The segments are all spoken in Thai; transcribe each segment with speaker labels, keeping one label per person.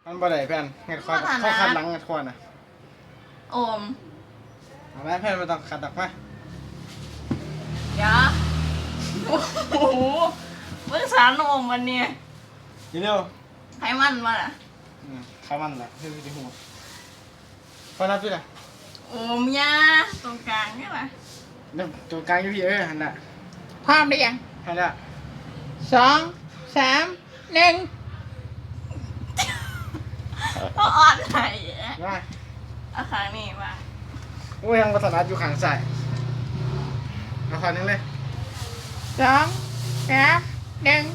Speaker 1: มันบ่ได้เพื่อนเงินคอเขาคัดหลังเงินคอน่ะ
Speaker 2: โอม
Speaker 1: เอาไหมเพื่อนไม่ต้องคัดดอกมา
Speaker 2: เดี๋ยวโอ้โหเมื่อสารโอมวันนี้
Speaker 1: ทีเดียว
Speaker 2: ให้มันมาล่ะ
Speaker 1: ข้ามันแหละที่ที่หัวพอนับด้วยล่ะ
Speaker 2: โอมยาตรงกลางนี่แหละ
Speaker 1: เนี่ยตัวกลางอยู่พี่หันน่ะ
Speaker 3: พร้อมหรือยัง
Speaker 1: หันน่ะ
Speaker 3: 2 3 1
Speaker 2: ก็อ่อนไหน
Speaker 1: มา
Speaker 2: เอาขางนี้มา
Speaker 1: โอ้ยยังภาษาอยู่ข้างซ้ายเอาขางนึงเลย
Speaker 3: 2 3 1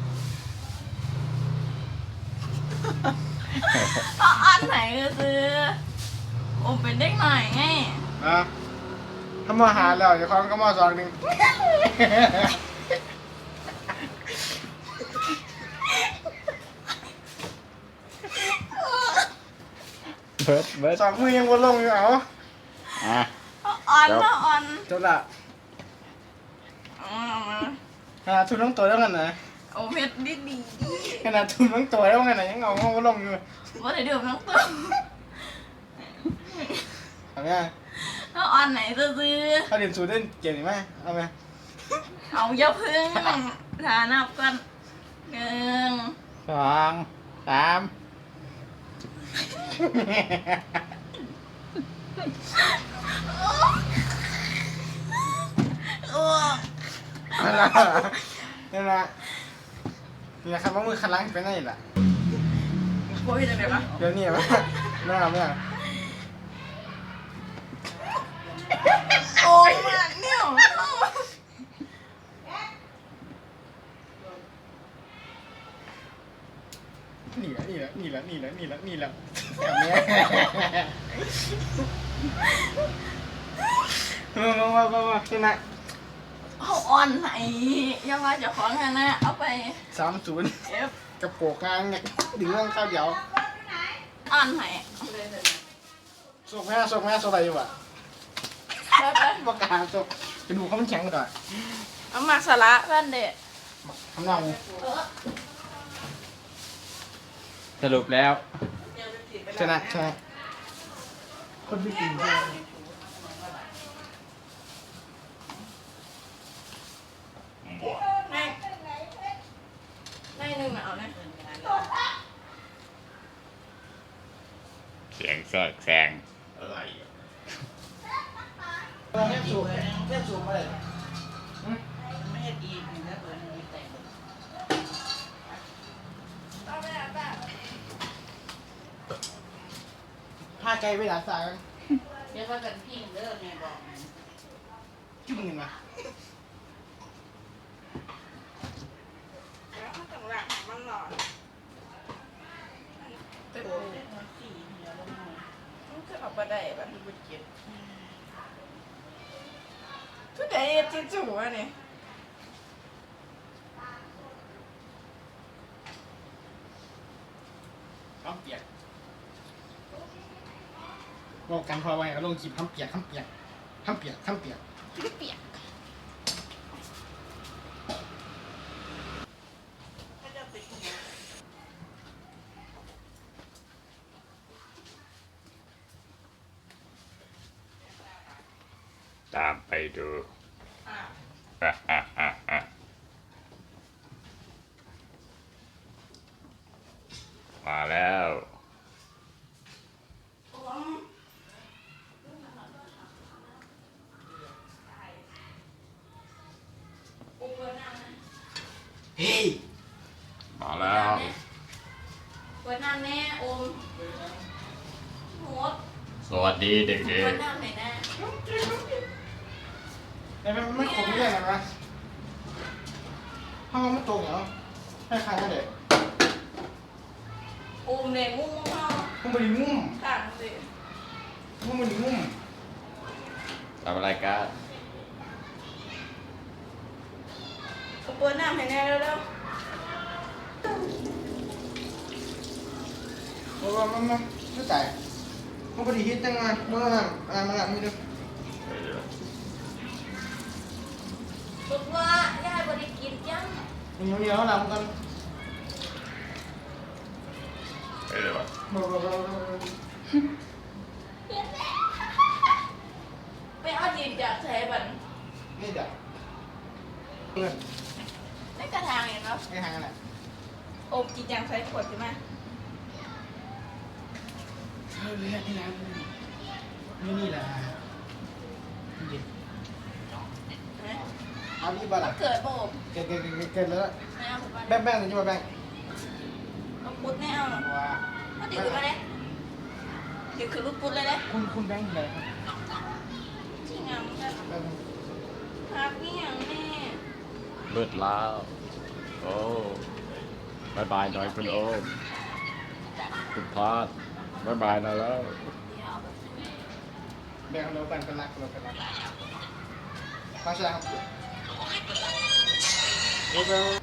Speaker 2: ก็อ่อนไหนก็คือโอมเป็นเด็กหน่อยไง
Speaker 1: ถ้ามาหาแล้วจะคล้องก็มาสองหนึ่งเบิร์ดสองมือยังวนลงอยู่เอา
Speaker 2: อ่อนนะอ่อน
Speaker 1: จบละขนาดทุนต้องตัวแล้วกันนะ
Speaker 2: โอ้เพชรดีดี
Speaker 1: ขนาดทุนต้องตัวแล้วกันนะยังเอาวนลงอยู่
Speaker 2: ว่าแต่เดี๋ยวต้องตัว
Speaker 1: เอาไหม
Speaker 2: ก็อ่อนไหนซื้อ
Speaker 1: เขาเรียนสูตรเล่นเก่งไหมเอาไหม
Speaker 2: เอาอย่าพึ่งฐานับกัน
Speaker 3: 1 2 3
Speaker 1: นั่นแหละนี่แหละครับว่ามือคันล้างเป็นไงล่ะ
Speaker 2: โอ้ยจะเดี๋ยวนะ
Speaker 1: เดี๋ยวนี้ไหมไม่เอา
Speaker 2: โอ้ยมันเนี่ย
Speaker 1: นี่แหละแบบนี้มาที่ไหน
Speaker 2: เอาอ่อนไหนอย่าว่าจะของกันนะเอาไป
Speaker 1: 30กับโปกงานเนี่ยดึงเรื่องข้าวเดียว
Speaker 2: อ่อนไหน
Speaker 1: ส่งแม่อะไรอยู่อ่ะประกาศส่งจะดูเขามันแข็งก่อน
Speaker 2: เอามาสาระเพื่อนเด็ก
Speaker 1: ทำเนา
Speaker 3: สรุปแล้ว
Speaker 1: ชนะคนที่กิน
Speaker 2: ในหนึ่งเอาเนี่ย
Speaker 3: เสียงสอดแซง
Speaker 1: อะไรเล่นสูบไป
Speaker 2: ไม่ให้ดีนะเปิดมีแต่
Speaker 1: ผ้าใจไปหลาสาย
Speaker 2: เดี๋ยวว่ากันพี่เลิกไงบอก
Speaker 1: จุ่มเงินมา
Speaker 2: แล้วมันต้องหลักมันหลอดเต็มเลยมันจะออกมาได้แบบมันเจ็บทุกเดย์จิ้มจุ๋วเนี่ย
Speaker 1: ข้ามเปียกบอกกันพอไว้ก็ลงจีบข้ามเปียก
Speaker 3: ตามไปดูมาแล้ว
Speaker 1: เฮ้ย
Speaker 3: มาแล้ว
Speaker 2: เปิดน้ำแน่อมโหด
Speaker 3: สวัสดีเด็กๆ
Speaker 2: เปิดน้ำไหนแน่
Speaker 1: แต่มันไม่ขมเลยนะห้องมันตรงเหรอให้ใครก็เด็ก
Speaker 2: อมเนี่ยงุ้มเข้า
Speaker 1: มันไม่ได้งุ้ม
Speaker 2: ต่างสิ
Speaker 1: มันไม่ได้งุ้ม
Speaker 3: ทำอะไรกัน
Speaker 2: เปิดน้ำให้แน่เร็ว
Speaker 1: มันไม่จ่ายมันพอดีฮิตจังเลยเมื่อมันมีด้วย
Speaker 2: สุดว่าย่าบริกินยัง
Speaker 1: เหนียวแล้วนะมันกัน
Speaker 3: ไปเลยวะ
Speaker 2: ไปเอาจีบจากใช้บัน
Speaker 1: นี่จ้ะเพื่อน
Speaker 2: ในกระถางเห็นเนาะ
Speaker 1: ไม่ห่างกันแหละ
Speaker 2: โอบจีบจากใช้ขวดใช่ไหม
Speaker 1: เลือดนี่นะนี่แหละจริงเอาดีบ้าล่ะ
Speaker 2: เกิดโอบ
Speaker 1: เกินแล้ว
Speaker 2: ไม่เอาผมว่า
Speaker 1: แบ่งเลยใช่ไหมแบ่ง
Speaker 2: เอาปุ๊ดไม่เอา
Speaker 1: ว่า
Speaker 2: เอาเดี๋ยวขึ้นมาเลยเดี๋ยวขึ้นรูปปุ๊ดเลยเลย
Speaker 1: คุณแบ่งเลยครับ
Speaker 2: จริงอ่ะมึงจะพักนี่อย่างแม่
Speaker 3: เบิดแล้วโอ้บายบายหน่อยคุณโอมคุณพาดบายบายหน่อยแล้ว
Speaker 2: เดี๋ยว
Speaker 1: แบ่งเรากันรักเรากันรักฟังใช่ไหมครับ